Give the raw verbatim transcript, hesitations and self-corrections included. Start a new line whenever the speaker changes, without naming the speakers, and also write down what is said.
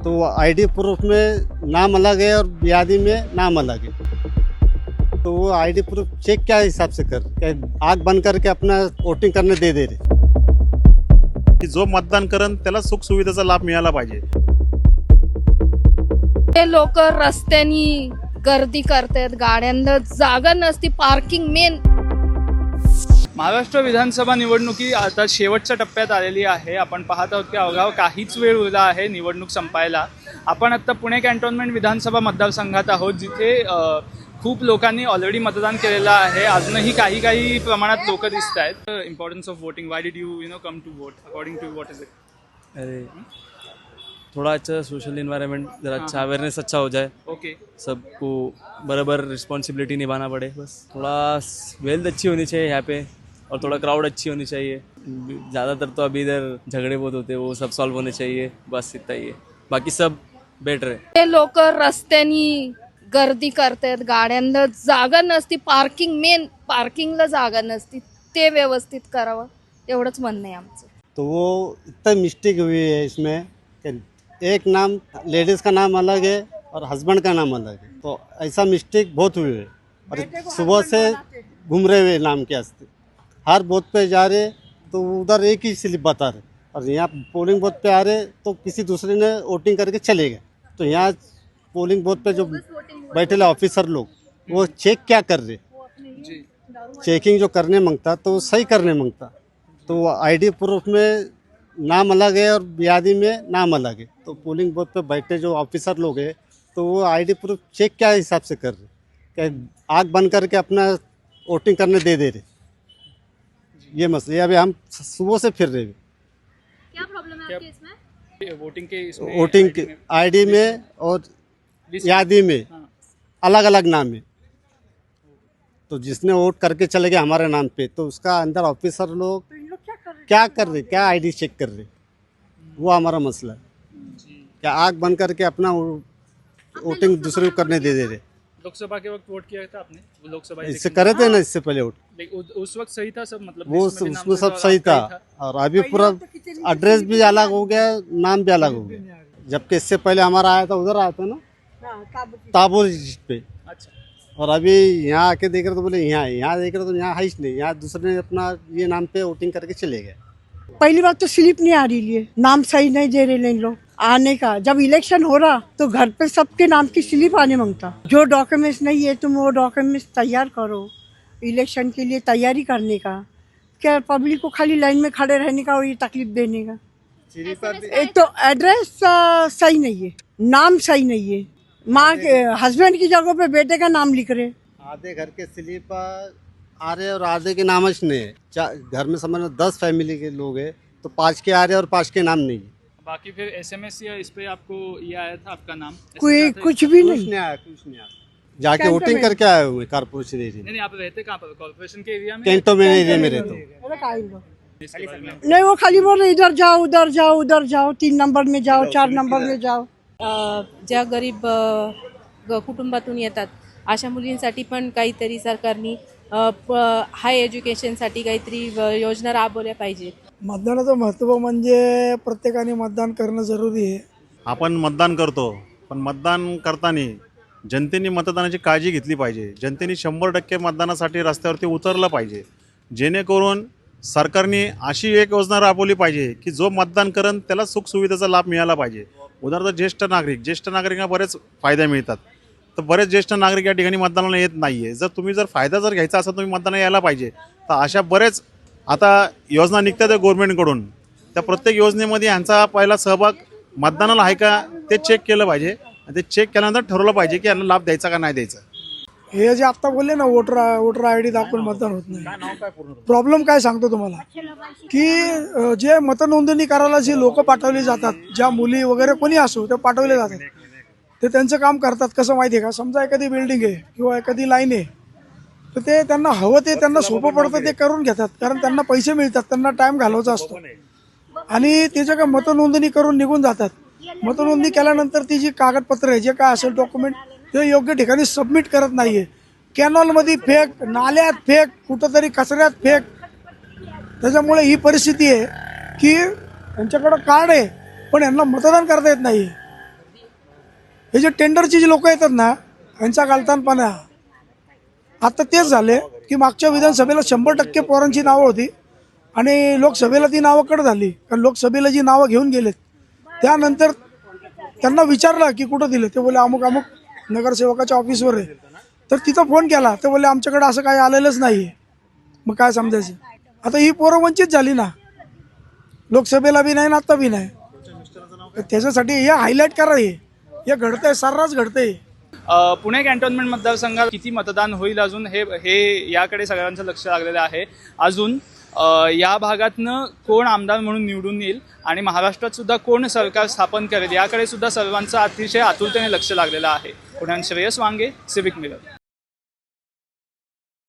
तो ID proof में नाम अलग है और ब्यादी में नाम अलग है। तो वो आईडी प्रूफ चेक क्या हिसाब से कर क्या आग बंद करके अपना वोटिंग करने दे दे रहे।
की जो मतदान करण त्याला सुख सुविधेचा लाभ मिळाला पाहिजे।
ते लोक रस्त्यानी गर्दी करतात, गाड्यांना जागा नसती, पार्किंग मेन।
महाराष्ट्र विधानसभा निवडणुकी आता शेवटच्या टप्प्यात आलेली आहे। आपण पाहत आहोत की अवघा काहीच वेळ उरला आहे निवडणूक संपायला। आपण आता पुणे कॅन्टोन्मेंट विधानसभा मतदारसंघात आहोत, जिथे खूप लोकांनी ऑलरेडी मतदान केलेलं आहे। अजूनही काही काही प्रमाणात लोक दिसत आहेत। Importance of voting, why did you you know come to vote, according to what is it?
अरे थोड़ा अच्छा सोशल इन्वायरमेंट, जरा अच्छा अवेयरनेस अच्छा हो जाए,
ओके,
सबको बराबर रिस्पॉन्सिबिलिटी निभाना पड़े, बस थोड़ा वेल्थ अच्छी होनी चाहिए यहाँ पे और थोड़ा क्राउड अच्छी होनी चाहिए। ज़्यादातर तो अभी इधर झगड़े बहुत होते हैं, वो सब सॉल्व होने चाहिए, बस इतना ही है, बाकी सब बेटर है।
ते लोक रस्त्यानी गर्दी करतात, गाड्यांना जागा नसती, पार्किंग मेन पार्किंगला जागा नसती, ते व्यवस्थित करावं, एवढंच म्हणणं आहे आमचं।
तो वो इतना मिस्टेक हुई है इसमें कि एक नाम लेडीज का नाम अलग है और हस्बैंड का नाम अलग है। तो ऐसा मिस्टेक बहुत हुई है और सुबह से घूम रहे हुए नाम के वास्ते हर बूथ पे जा रहे तो उधर एक ही स्लिप बता रहे और यहाँ पोलिंग बूथ पे आ रहे तो किसी दूसरे ने वोटिंग करके चले गए। तो यहाँ पोलिंग बूथ पे जो बैठे ऑफिसर लोग वो चेक क्या कर रहे, चेकिंग जो करने मांगता तो सही करने मांगता। तो आईडी प्रूफ में नाम अलग है और ब्यादी में नाम अलग है। तो पोलिंग बूथ पे बैठे जो ऑफिसर लोग हैं तो वो आईडी प्रूफ चेक क्या हिसाब से कर रहे, क्या आग बंद करके अपना वोटिंग करने दे दे रहे। ये मसले अभी हम सुबह से फिर रहे हैं।
क्या प्रॉब्लम है आपके इसमें?
वोटिंग के इसमें
वोटिंग के आईडी में और यादी में अलग अलग नाम है। तो जिसने वोट करके चले गए हमारे नाम पे तो उसका अंदर ऑफिसर लोग क्या कर रहे, क्या आईडी चेक कर रहे, वो हमारा मसला है। क्या आग बंद करके अपना वोटिंग दूसरे को करने दे दे रहे।
लोकसभा के वक्त वोट किया था आपने? लोकसभा
इससे करे थे ना, इससे पहले वोट
उस वक्त सही था सब, मतलब
वो उसमें सब सही था और अभी पूरा एड्रेस भी अलग हो गया, नाम भी अलग हो गया। जबकि इससे पहले हमारा आया था उधर आया था ना ताबूर पे,
अच्छा,
और अभी यहाँ आके देख रहे तो बोले यहाँ यहाँ देख रहे तो यहाँ है ही नहीं, यहाँ दूसरे ने अपना ये नाम पे वोटिंग करके चले गए।
पहली बात तो स्लिप नहीं आ रही है, नाम सही नहीं दे रहे इन लोग आने का। जब इलेक्शन हो रहा तो घर पे सबके नाम की स्लिप आने मांगता। जो डॉक्यूमेंट्स नहीं है तुम वो डॉक्यूमेंट्स तैयार करो इलेक्शन के लिए, तैयारी करने का। क्या पब्लिक को खाली लाइन में खड़े रहने का और ये तकलीफ देने का। एक तो एड्रेस सही नहीं है, नाम सही नहीं है, माँ के हस्बैंड की जगह पे बेटे का नाम लिख रहे।
आधे घर के स्लिप आ रहे और आधे के नाम नहीं है। घर में समझ लो दस फैमिली के लोग हैं तो पाँच के आ रहे और पाँच के नाम नहीं है।
बाकी फिर एसएमएस या इस पे आपको ये आया था आपका नाम?
कोई कुछ भी
कुछ
नहीं
नहीं आया, कुछ नहीं आया। जाके वोटिंग करके आए हुए कारपोरेशन एरिया
नहीं नहीं, आप रहते कहाँ पर? कॉर्पोरेशन के एरिया में?
कैंटोनमेंट एरिया में रहते हो।
नहीं, वो खाली बोल रहे इधर जाओ उधर जाओ उधर जाओ, तीन नंबर में जाओ, चार नंबर में जाओ।
ज्या गरीब ग- कुटुंबातून येतात अशा मुलींसाठी पण काहीतरी सरकारनी हाय एज्युकेशनसाठी काहीतरी योजना राबवल्या पाहिजेत।
मतदानाचं महत्त्व म्हणजे प्रत्येकाने मतदान करणं जरुरी आहे।
आपण मतदान करतो, पण मतदान करताना जनतेने मतदानाची काळजी घेतली पाहिजे। जनतेने शंभर टक्के मतदानासाठी रस्त्यावरती उतरलं पाहिजे, जेणेकरून सरकारने अशी एक योजना राबवली पाहिजे की जो मतदान करण त्याला सुख सुविधेचा लाभ मिळाला पाहिजे। उदाहरणार्थ ज्येष्ठ नागरिक, ज्येष्ठ नागरिकांना बरेच फायदे मिळतात, तर बरेच ज्येष्ठ नागरिक या ठिकाणी मतदानाला येत नाही आहे। जर तुम्ही जर फायदा जर घ्यायचा असेल तुम्ही मतदानाला यायला पाहिजे। तर अशा बरेच आता योजना निघतात आहे गव्हर्नमेंटकडून, त्या प्रत्येक योजनेमध्ये यांचा पहिला सहभाग मतदानाला आहे का ते चेक केलं पाहिजे आणि ते चेक केल्यानंतर ठरवलं पाहिजे की यांना लाभ द्यायचा का नाही द्यायचा।
हे जे आता बोलले ना वोटर वोटर आय डी दाखवून मतदान होत नाही, प्रॉब्लेम काय सांगतो तुम्हाला की अ, जे मतनोंदणी करायला जे लोक पाठवले जातात, ज्या मुली वगैरे कोणी असो ते पाठवले जातात, ते त्यांचं काम करतात कसं माहिती आहे का? समजा एखादी बिल्डिंग आहे किंवा एखादी लाईन आहे तर ते त्यांना हवं ते त्यांना सोपं पडतं ते करून घेतात, कारण त्यांना पैसे मिळतात, त्यांना टाइम घालवायचा असतो आणि ते जे काय मतनोंदणी करून निघून जातात। मतनोंदणी केल्यानंतर ती जी कागदपत्र आहे जे काय असेल डॉक्युमेंट ते योग्य ठिकाणी सबमिट करत नाहीये। कॅनॉलमध्ये फेक, नाल्यात फेक, कुठंतरी कचऱ्यात फेक। त्याच्यामुळे ही परिस्थिती आहे की यांच्याकडं कार्ड आहे पण यांना मतदान करता येत नाही। हे जे टेंडरचे जे लोक येतात ना यांचा गालतानपणा आता तेच झाले की मागच्या विधानसभेला शंभर टक्के पोरांची नावं होती आणि लोकसभेला ती नावं कट झाली. कारण लोकसभेला जी नावं घेऊन गेलेत त्यानंतर त्यांना विचारलं की कुठं दिले, ते बोले अमुक अमुक नगरसेवकाच्या ऑफिसवर आहे. तर तिथं फोन केला ते बोले आमच्याकडे असं काही आलेलंच नाही आहे. मग काय समजायचं. आता ही पोरं वंचित झाली ना, लोकसभेला बी नाही ना आता बी नाही. तर त्याच्यासाठी हे हायलाईट करा, हे हे घडतंय, सर्रास घडतंय.
अ, पुणे कॅन्टोन्मेंट मतदारसंघात किती मतदान होईल अजून हे हे याकडे सगळ्यांचं लक्ष लागलेलं आहे. अजून अ, या भागातनं कोण आमदार म्हणून निवडून येईल आणि महाराष्ट्रात सुद्धा कोण सरकार स्थापन करेल याकडे सुद्धा सर्वांचं अतिशय आतुरतेने लक्ष लागलेलं आहे. पुण्याहून श्रेयस वांगे, सिविक मिरर.